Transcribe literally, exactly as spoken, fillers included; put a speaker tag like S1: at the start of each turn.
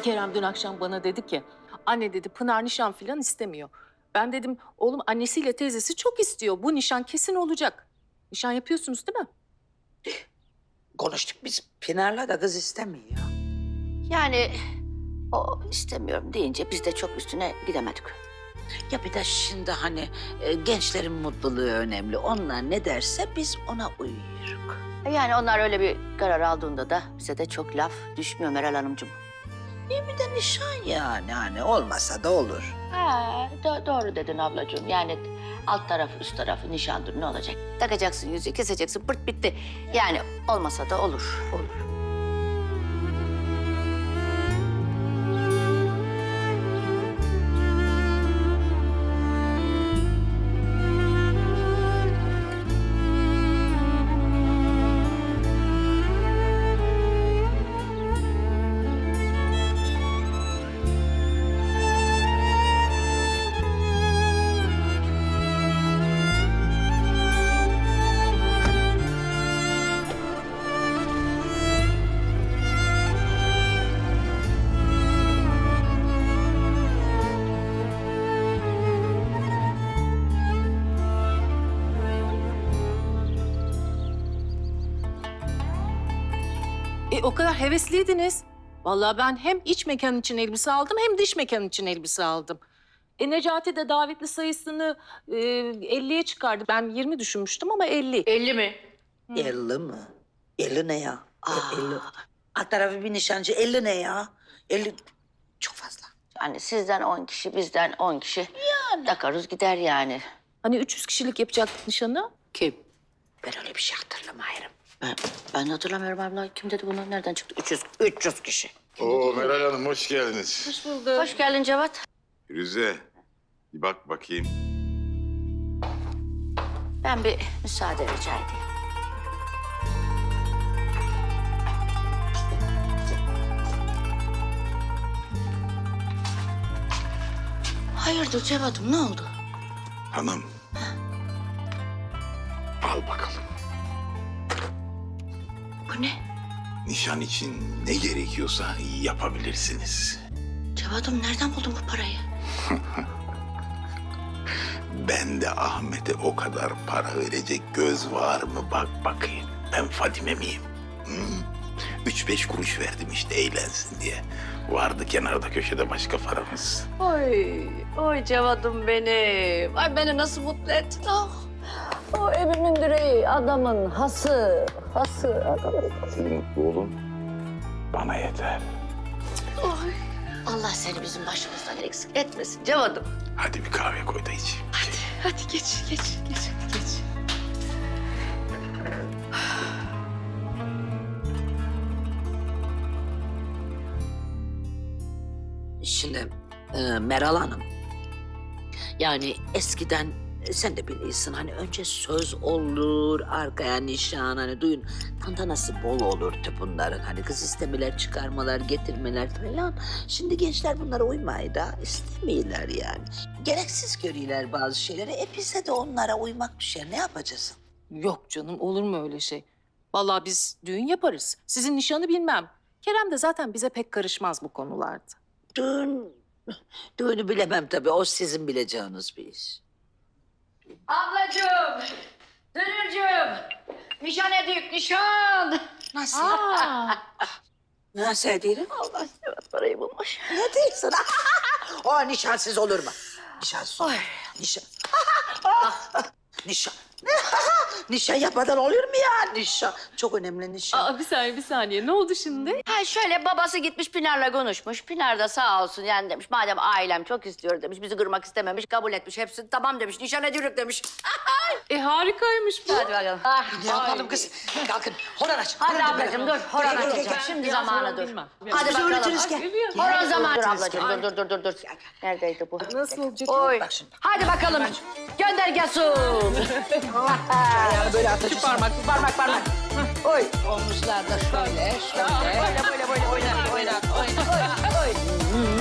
S1: Kerem dün akşam bana dedi ki, anne dedi Pınar nişan falan istemiyor. Ben dedim, oğlum annesiyle teyzesi çok istiyor. Bu nişan kesin olacak. Nişan yapıyorsunuz değil mi?
S2: Konuştuk biz. Pınar'la da kız istemiyor.
S3: Yani o istemiyorum deyince biz de çok üstüne gidemedik.
S2: Ya bir de şimdi hani e, gençlerin mutluluğu önemli. Onlar ne derse biz ona uyuyoruz.
S3: Yani onlar öyle bir karar aldığında da bize de çok laf düşmüyor Meral Hanımcığım.
S2: Bir de nişan yani hani olmasa da olur.
S3: Ha, do- doğru dedin ablacığım. Yani alt tarafı üst tarafı nişandır ne olacak? Takacaksın yüzüğü keseceksin pırt bitti. Yani olmasa da olur. Olur.
S1: E o kadar hevesliydiniz. Vallahi ben hem iç mekan için elbise aldım hem dış mekan için elbise aldım. E Necati de davetli sayısını e, elliye çıkardı. Ben yirmi düşünmüştüm ama elli.
S3: elli mi?
S2: elli mi? elli ne ya? elli. Alt tarafı bir nişancı. elli ne ya? elli çok fazla.
S3: Yani sizden on kişi, bizden on kişi. Yani. Takarız gider yani.
S1: Hani üç yüz kişilik yapacaktık nişanı.
S3: Kim?
S2: Ben öyle bir şey hatırlamıyorum.
S3: Ben, ben hatırlamıyorum abla. Kim dedi bunu? Nereden çıktı? üç yüz, üç yüz kişi.
S4: Oo Meral Hanım hoş geldiniz.
S1: Hoş bulduk.
S3: Hoş geldin Cevat.
S4: Firuze bir bak bakayım.
S3: Ben bir müsaade rica edeyim. Hayırdır Cevat'ım ne oldu?
S4: Hanım. Al bakalım.
S3: Bu ne?
S4: Nişan için ne gerekiyorsa yapabilirsiniz.
S3: Cevat'ım nereden buldun bu parayı?
S4: Ben de Ahmet'e o kadar para verecek göz var mı bak bakayım. Ben Fadime miyim? Hı? Üç beş kuruş verdim işte eğlensin diye. Vardı kenarda köşede başka paramız.
S3: Oy, oy Cevat'ım benim. Ay beni nasıl mutlu ettin oh. O evimin direği, adamın hası, hası adamın.
S4: Siz mutlu olun. Bana yeter.
S3: Oy. Allah seni bizim başımızdan eksik etmesin Cevat'ım.
S4: Hadi bir kahve koy da iç.
S3: Hadi geç, geç, geç, geç.
S2: Şimdi e, Meral Hanım. Yani eskiden e, sen de biliyorsun hani önce söz olur, arkaya nişan hani düğün tantanası bol olurdu bunların. Hani kız istemeler, çıkarmalar, getirmeler falan. Şimdi gençler bunlara uymayı da istemiyorlar yani. Gereksiz görüyorlar bazı şeyleri. E bize de onlara uymak düşer. Ne yapacağız?
S1: Yok canım olur mu öyle şey? Vallahi biz düğün yaparız. Sizin nişanı bilmem. Kerem de zaten bize pek karışmaz bu konularda.
S2: Düğün, düğünü bilemem tabii. O sizin bileceğiniz bir iş.
S3: Ablacığım, Dünürcüğüm, nişan ediyük, nişan.
S2: Nasıl?
S1: Aa,
S2: Nasıl ediyorum?
S3: Allah Cevat parayı bulmuş.
S2: Ne diyorsun? O nişansız olur mu? Nişansız olur. Nişan. Nişan. Nişan yapmadan olur mu ya? Nişan. Çok önemli nişan.
S1: aa, bir saniye bir saniye. Ne oldu şimdi?
S3: Ha şöyle babası gitmiş Pinar'la konuşmuş. Pinar da sağ olsun yani demiş. Madem ailem çok istiyor demiş. Bizi kırmak istememiş. Kabul etmiş. Hepsi tamam demiş. Nişan ediyoruz demiş.
S1: E harikaymış bu.
S3: Hadi bakalım. Ah,
S2: Ne yapalım kız? Kalkın. Horon aç.
S3: hadi
S2: horon
S3: ablacığım
S2: böyle.
S3: dur. Horon
S2: Gel, gel, gel,
S3: açacağım.
S2: gel.
S3: Şimdi
S1: Biraz
S3: zamanı
S1: sonra
S3: dur.
S1: bilmem.
S3: Hadi
S2: Biz
S3: bakalım.
S2: öğretiriz, gel.
S1: Biliyorum.
S3: Horon zamanı. Dur
S2: Öğretiriz,
S3: ablacığım.
S2: gel.
S3: Dur dur dur dur. dur. Neredeydi bu?
S1: Nasıl olacak?
S3: Oy.
S2: Bak şimdi.
S3: Hadi bakalım. Gönder gelsin.
S2: Yani böyle atacağız.
S1: Parmak.
S3: Parmak parmak. Oy.
S2: Omuzlar da şöyle, şöyle.
S3: Böyle böyle böyle oynar oynar oynar. Oy. Oy.